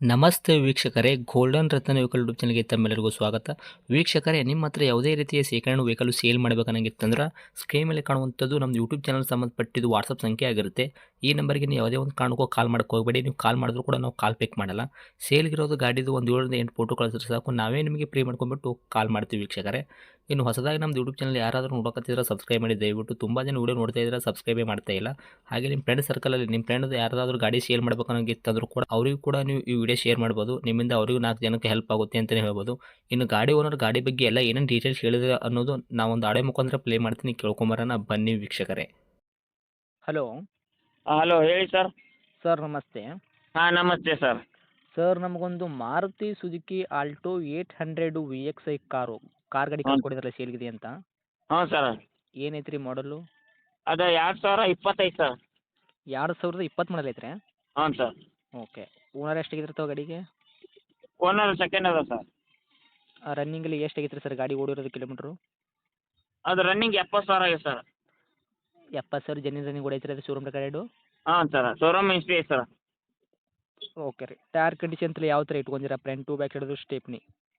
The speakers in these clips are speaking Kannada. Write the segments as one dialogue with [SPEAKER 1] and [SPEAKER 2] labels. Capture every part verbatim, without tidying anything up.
[SPEAKER 1] ನಮಸ್ತೆ ವೀಕ್ಷಕರೇ, ಗೋಲ್ಡನ್ ರತ್ನ ವೆಹಿಕಲ್ ಯೂಟ್ಯೂಬ್ ಚಾನಲ್ಗೆ ತಮ್ಮೆಲ್ಲರಿಗೂ ಸ್ವಾಗತ. ವೀಕ್ಷಕರೇ, ನಿಮ್ಮ ಹತ್ರ ಯಾವುದೇ ರೀತಿಯ ಶೇಖರಣೆ ವೆಹಿಕಲ್ ಸೇಲ್ ಮಾಡಬೇಕನ್ನಂಗಿತ್ತಂದ್ರೆ ಸ್ಕ್ರೀನ್ ಮೇಲೆ ಕಾಣುವಂಥದ್ದು ನಮ್ಮ ಯೂಟ್ಯೂಬ್ ಚಾನಲ್ ಸಂಬಂಧಪಟ್ಟಿದ್ದು ವಾಟ್ಸಪ್ ಸಂಖ್ಯೆ ಆಗಿರುತ್ತೆ. ಈ ನಂಬರ್ಗೆ ನೀವು ಯಾವುದೇ ಒಂದು ಕಾರಣಕ್ಕೂ ಕಾಲ್ ಮಾಡಕ್ಕೆ ಹೋಗಬೇಡಿ. ನೀವು ಕಾಲ್ ಮಾಡಿದ್ರು ಕೂಡ ನಾವು ಕಾಲ್ ಪಿಕ್ ಮಾಡಲ್ಲ. ಸೇಲ್ಗಿರೋದು ಗಾಡಿದು ಒಂದು ಏಳರಿಂದ ಎಂಟು ಫೋಟೋ ಕಳಿಸಿದ್ರೆ ಸಾಕು, ನಾವೇ ನಿಮಗೆ ಪ್ರೀ ಮಾಡ್ಕೊಂಡ್ಬಿಟ್ಟು ಕಾಲ್ ಮಾಡ್ತೀವಿ ವೀಕ್ಷಕರೇ. ಇನ್ನು ಹೊಸದಾಗಿ ನಮ್ಮದು ಯೂಟ್ಯೂಬ್ ಚಾನಲ್ ಯಾರಾದರೂ ನೋಡೋಕತ್ತಿದ್ರೆ ಸಬ್ಸ್ಕ್ರೈಬ್ ಮಾಡಿ ದಯವಿಟ್ಟು. ತುಂಬ ಜನ ವೀಡಿಯೋ ನೋಡ್ತಾ ಇದ್ದಾರೆ, ಸಬ್ಸ್ಕ್ರೈಬೇ ಮಾಡ್ತಾ ಇಲ್ಲ. ಹಾಗೆ ನಿಮ್ಮ ಫ್ರೆಂಡ್ ಸರ್ಕಲಲ್ಲಿ ನಿಮ್ಮ ಫ್ರೆಂಡ್ ಯಾರಾದರೂ ಗಾಡಿ ಸೇಲ್ ಮಾಡಬೇಕನ್ನೋಂಗಿತ್ತಂದ್ರೂ ಕೂಡ ಅವರಿಗೂ ಕೂಡ ನೀವು ಈ ವಿಡಿಯೋ ಶೇರ್ ಮಾಡ್ಬೋದು. ನಿಮ್ಮಿಂದ ಅವರಿಗೂ ನಾಲ್ಕು ಜನಕ್ಕೆ ಹೆಲ್ಪ್ ಆಗುತ್ತೆ ಅಂತಲೇ ಹೇಳ್ಬೋದು. ಇನ್ನು ಗಾಡಿ ಓನರ್ ಗಾಡಿ ಬಗ್ಗೆ ಎಲ್ಲ ಏನೇನು ಡೀಟೇಲ್ಸ್ ಹೇಳಿದ್ರೆ ಅನ್ನೋದು ನಾವೊಂದು ಆಡೆ ಮುಖಾಂತರ ಪ್ಲೇ ಮಾಡ್ತೀನಿ, ಕೇಳ್ಕೊಂಬರೋಣ ಬನ್ನಿ ವೀಕ್ಷಕರೇ. ಹಲೋ
[SPEAKER 2] ಹಲೋ ಹೇಳಿ ಸರ್.
[SPEAKER 1] ಸರ್, ನಮಸ್ತೆ.
[SPEAKER 2] ಹಾಂ ನಮಸ್ತೆ ಸರ್.
[SPEAKER 1] ಸರ್, ನಮಗೊಂದು Maruti Suzuki Alto eight hundred V X I car car ಗಾಡಿ
[SPEAKER 2] ಹ್ಞೂ
[SPEAKER 1] ಕಳ್ಸ್ಕೊಡಿದ್ರಲ್ಲ ಸೇಲ್ಗಿದೆ ಅಂತ.
[SPEAKER 2] ಹ್ಞೂ ಸರ್.
[SPEAKER 1] ಏನೈತ್ರಿ ಮಾಡಲು?
[SPEAKER 2] ಅದು ಎರಡು ಸಾವಿರ ಇಪ್ಪತ್ತೈದು ಸರ್.
[SPEAKER 1] ಎರಡು ಸಾವಿರದ ಇಪ್ಪತ್ತು ಮಾಡಲ್ ಐತ್ರಿ?
[SPEAKER 2] ಹ್ಞೂ ಸರ್.
[SPEAKER 1] ಓಕೆ. ಓನರ್ ಎಷ್ಟಾಗಿರ್ತಾವೆ ಗಾಡಿಗೆ?
[SPEAKER 2] ಓನರ್ ಸೆಕೆಂಡ್ ಅದ ಸರ್.
[SPEAKER 1] ರನ್ನಿಂಗಲ್ಲಿ ಎಷ್ಟು ಆಗೈತ್ರಿ ಸರ್ ಗಾಡಿ ಓಡಿರೋದು ಕಿಲೋಮೀಟ್ರು?
[SPEAKER 2] ಅದು ರನ್ನಿಂಗ್ ಎಪ್ಪತ್ತು ಸಾವಿರ ಆಗಿದೆ ಸರ್.
[SPEAKER 1] ಎಪ್ಪತ್ತು ಸಾವಿರ ಜನ ರನ್ನಿಂಗ್ ಓಡೈತ್ರಿ ಅದು ಶೋರೂಮ್ ಗಾಡಿ?
[SPEAKER 2] ಹಾಂ ಸರ್, ಶೋರೂಮ್ ಹಿಸ್ಟ್ರಿ ಐತೆ ಸರ್.
[SPEAKER 1] ಓಕೆ ರೀ. ಟೈರ್ ಕಂಡೀಷನ್ ತಲೆ ಯಾವ ಥರ ಇಟ್ಕೊಂಡಿರ? ಫ್ರಂಟ್ ಟು ಬ್ಯಾಕ್ ಹಿಡಿದು ಸ್ಟೆಪ್ನಿ?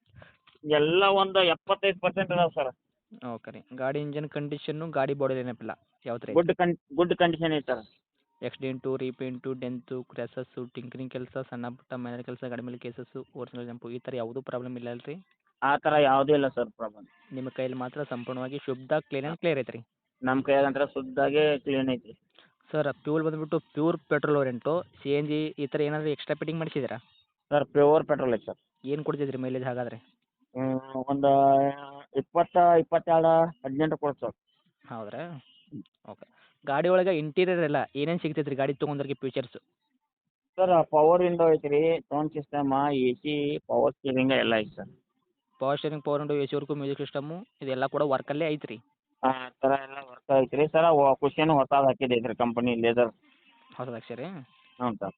[SPEAKER 2] ಎಲ್ಲ ಒಂದು ಎಪ್ಪತ್ತೈದು ಪರ್ಸೆಂಟ್ ಅದಾವೆ ಸರ್.
[SPEAKER 1] ಓಕೆ ರೀ. ಗಾಡಿ ಇಂಜನ್ ಕಂಡೀಷನ್ನು, ಗಾಡಿ ಬಾಡಿ ನೆನಪಿಲ್ಲ ಯಾವ ಥರ?
[SPEAKER 2] ಗುಡ್ ಕನ್ ಗುಡ್ ಕಂಡೀಷನ್ ಐತೆ sir.
[SPEAKER 1] Accident, repaint, dent, crashes, tinkering ಕೆಲಸ, ಸಣ್ಣ ಪುಟ್ಟ ಮನೆ ಕೆಲಸ, ಗಾಡಿ ಮೇಲೆ ಕೇಸಸ್ಸು, ಓರಿಜಿನಲ್ ಜಂಪು ಈ ಥರ ಯಾವುದೂ ಪ್ರಾಬ್ಲಮ್ ಇಲ್ಲ ಅಲ್ರಿ?
[SPEAKER 2] ಆ ಥರ ಯಾವುದೂ ಇಲ್ಲ ಸರ್ ಪ್ರಾಬ್ಲಮ್.
[SPEAKER 1] ನಿಮ್ಮ ಕೈಯಲ್ಲಿ ಮಾತ್ರ ಸಂಪೂರ್ಣವಾಗಿ ಶುದ್ಧ ಕ್ಲೀನ್ ಆ್ಯಂಡ್ ಕ್ಲಿಯರ್ ಐತ್ರಿ?
[SPEAKER 2] ನಮ್ಮ ಕೈಯಾಗಂತ್ರ ಶುದ್ಧಾಗೆ ಕ್ಲೀನ್ ಐತಿ.
[SPEAKER 1] ಸರ್, ಫ್ಯೂಲ್ ಬಂದುಬಿಟ್ಟು ಪ್ಯೂರ್ ಪೆಟ್ರೋಲ್ ಓರೆಂಟು, ಸಿ ಎನ್ ಜಿ ಈ ಥರ ಏನಾದರೂ ಎಕ್ಸ್ಟ್ರಾ ಫಿಟ್ಟಿಂಗ್ ಮಾಡಿಸಿದ್ದೀರಾ?
[SPEAKER 2] ಸರ್ ಪ್ಯೂರ್ ಪೆಟ್ರೋಲ್ ಐತೆ ಸರ್.
[SPEAKER 1] ಏನು ಕೊಡ್ತೈತ್ರಿ ಮೈಲೇಜ್ ಹಾಗಾದರೆ?
[SPEAKER 2] ಒಂದು ಇಪ್ಪತ್ತು ಇಪ್ಪತ್ತೆರಡು ಹದಿನೆಂಟು ಕೊಡ್ತು ಸರ್.
[SPEAKER 1] ಹೌದ್ರಾ? ಓಕೆ. ಗಾಡಿ ಒಳಗೆ ಇಂಟೀರಿಯರ್ ಎಲ್ಲ ಏನೇನು ಸಿಗ್ತೈತೆ ರೀ ಗಾಡಿ ತೊಗೊಂಡ್ರಿಗೆ ಫೀಚರ್ಸು?
[SPEAKER 2] ಸರ್ ಪವರ್ ವಿಂಡೋ ಐತೆ ರೀ, sound system, A C, power steering ಎಲ್ಲ ಐತೆ sir.
[SPEAKER 1] Power steering, power window, A C work, music system ಇದೆಲ್ಲ ಕೂಡ ವರ್ಕಲ್ಲೇ ಐತ್ರಿ?
[SPEAKER 2] ಆ ಥರ ಎಲ್ಲ ವರ್ಕ್ ಐತೆ ರೀ ಸರ್. ಕುಷನ್ ಹೊಸದು ಹಾಕಿದ್ದು ಐತೆ ರೀ ಕಂಪನಿ ಲೇದರ್.
[SPEAKER 1] ಹೊಸದು ಹಾಕ್ಸಿರಿ?
[SPEAKER 2] ಹ್ಞೂ ಸರ್.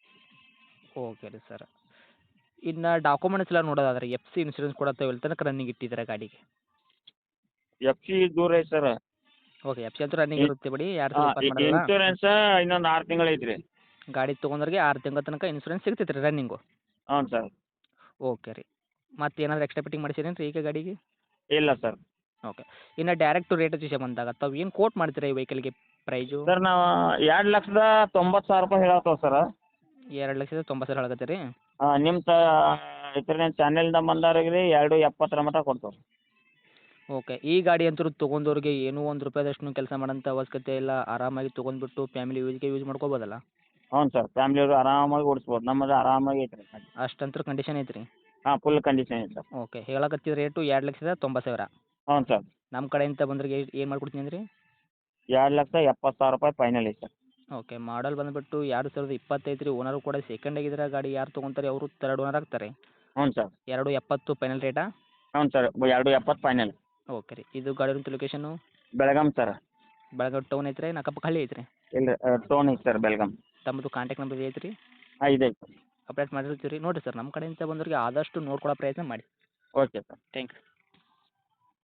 [SPEAKER 1] ಓಕೆ ರೀ ಸರ್. ಇನ್ನು ಡಾಕ್ಯುಮೆಂಟ್ಸ್ ಎಲ್ಲ ನೋಡೋದಾದ್ರೆ ಎಫ್ ಸಿ ಇನ್ಸೂರೆನ್ಸ್ ಕೂಡ ತಾವು ಎಲ್ಲಿ ತನಕ ರನ್ನಿಂಗ್ ಇಟ್ಟಿದ್ದೀರಾ ಗಾಡಿಗೆ?
[SPEAKER 2] ಎಫ್ ಸಿ ದೂರ ಐತೆ ಸರ್.
[SPEAKER 1] ಓಕೆ. ಎಫ್ ಸಿ ಅಂತೂ ರನ್ನಿಂಗ್ ಇರುತ್ತೆ ಬಿಡಿ, ಎರಡು ಸಾವಿರ ಇಪ್ಪತ್ತು ಮಾಡಲ್ಲ.
[SPEAKER 2] ಇನ್ಶೂರೆನ್ಸ್ ಇನ್ನೊಂದು ಆರು ತಿಂಗಳು ಐತೆ ರೀ.
[SPEAKER 1] ಗಾಡಿ ತೊಗೊಂಡ್ರಿಗೆ ಆರು ತಿಂಗಳ ತನಕ ಇನ್ಸೂರೆನ್ಸ್ ಸಿಗ್ತೈತೆ ರೀ ರನ್ನಿಂಗು?
[SPEAKER 2] ಹ್ಞೂ ಸರ್.
[SPEAKER 1] ಓಕೆ ರೀ. ಮತ್ತೆ ಏನಾದರೂ ಎಕ್ಸ್ಟ್ರಾ ಫಿಟ್ಟಿಂಗ್ ಮಾಡಿಸಿರೇನು ರೀ ಈಗ ಗಾಡಿಗೆ?
[SPEAKER 2] ಇಲ್ಲ ಸರ್.
[SPEAKER 1] ಓಕೆ. ಇನ್ನು ಡೈರೆಕ್ಟ್ ರೇಟ್ ವಿಷಯ ಬಂದಾಗ ತಾವು ಏನು ಕೋಟ್ ಮಾಡ್ತೀರಾ ಈ ವೆಹಿಕಲ್ಗೆ ಪ್ರೈಜು?
[SPEAKER 2] ಸರ್ ನಾವು ಎರಡು ಲಕ್ಷದ ತೊಂಬತ್ತು ಸಾವಿರ ರೂಪಾಯಿ ಹೇಳತ್ತೇವೆ ಸರ್.
[SPEAKER 1] ಎರಡು ಲಕ್ಷದ ತೊಂಬತ್ತು ಸಾವಿರ ಹೇಳಕತ್ತೀರಿ?
[SPEAKER 2] ಹಾಂ ನಿಮ್ಮ ತ ಇದ್ರ ಚಾನೆಲ್ದ ಬಂದವ್ರಿಗೆ ರೀ ಎರಡು ಎಪ್ಪತ್ತರ ಮಟ್ಟ ಕೊಡ್ತೇವೆ.
[SPEAKER 1] ಓಕೆ. ಈ ಗಾಡಿ ಅಂತೂ ತೊಗೊಂಡವ್ರಿಗೆ ಏನೂ ಒಂದು ರೂಪಾಯಿದಷ್ಟು ಕೆಲಸ ಮಾಡೋಂಥ ಅವಶ್ಯಕತೆ ಇಲ್ಲ, ಆರಾಮಾಗಿ ತೊಗೊಂಡ್ಬಿಟ್ಟು ಫ್ಯಾಮಿಲಿ ಯೂಸ್ಗೆ ಯೂಸ್ ಮಾಡ್ಕೋಬೋದಲ್ಲ?
[SPEAKER 2] ಹ್ಞೂ ಸರ್, ಫ್ಯಾಮಿಲಿಯವರು ಆರಾಮಾಗಿ ಓಡಿಸ್ಬೋದು. ನಮ್ಮದು ಆರಾಮಾಗಿ ಐತೆ ರೀ.
[SPEAKER 1] ಅಷ್ಟಂತೂ ಕಂಡೀಷನ್ ಐತ್ರಿ?
[SPEAKER 2] ಹಾಂ ಫುಲ್ ಕಂಡೀಷನ್ ಐತೆ ಸರ್.
[SPEAKER 1] ಓಕೆ. ಹೇಳಕತ್ತಿದ ರೇಟು ಎರಡು ಲಕ್ಷದ ತೊಂಬತ್ತು ಸಾವಿರ?
[SPEAKER 2] ಹ್ಞೂ ಸರ್.
[SPEAKER 1] ನಮ್ಮ ಕಡೆಯಿಂದ ಬಂದ್ರಿಗೆ ಏನು ಮಾಡ್ಕೊಡ್ತೀನಿ ಅಂದ್ರಿ?
[SPEAKER 2] ಎರಡು ಲಕ್ಷ ಎಪ್ಪತ್ತು ಸಾವಿರ ರೂಪಾಯಿ ಫೈನಲ್ ಐತೆ ಸರ್.
[SPEAKER 1] ಓಕೆ. ಮಾಡಲ್ ಬಂದುಬಿಟ್ಟು ಎರಡು ಸಾವಿರದ ಇಪ್ಪತ್ತೈದು ರೀ. ಓನರು ಕೂಡ ಸೆಕೆಂಡ್ ಆಗಿದ್ರೆ ಗಾಡಿ ಯಾರು ತೊಗೊಂತಾರೆ ಅವರು ತರ್ಡ್ ಓನರ್ ಆಗ್ತಾರೆ.
[SPEAKER 2] ಹ್ಞೂ ಸರ್.
[SPEAKER 1] ಎರಡು ಎಪ್ಪತ್ತು ಫೈನಲ್ ರೇಟಾ?
[SPEAKER 2] ಹ್ಞೂ ಸರ್, ಎರಡು ಎಪ್ಪತ್ತು ಫೈನಲ್.
[SPEAKER 1] ಓಕೆ ರೀ. ಇದು ಗಾಡಿ ಇರೋಂಥ location?
[SPEAKER 2] Belgaum sir.
[SPEAKER 1] Belagavi town ಐತ್ರಿ, ಏನು ಅಕ್ಕಪಕ್ಕ ಹಳ್ಳಿ ಐತ್ರಿ?
[SPEAKER 2] ಇಲ್ಲ ಟೋನ್ ಐತೆ ಸರ್ ಬೆಳಗಾಂ.
[SPEAKER 1] ತಮ್ಮದು ಕಾಂಟ್ಯಾಕ್ಟ್ ನಂಬರ್ ಐತ್ರಿ?
[SPEAKER 2] ಹಾಂ ಇದೆ ಐತೆ.
[SPEAKER 1] ಅಪ್ಡೇಟ್ ಮಾಡಿರ್ತೀವಿ ರೀ. ನೋಡಿರಿ ಸರ್, ನಮ್ಮ ಕಡೆಯಿಂದ ಬಂದವ್ರಿಗೆ ಆದಷ್ಟು ನೋಡ್ಕೊಳೋ ಪ್ರಯತ್ನ ಮಾಡಿ.
[SPEAKER 2] Okay sir.
[SPEAKER 1] Thank you.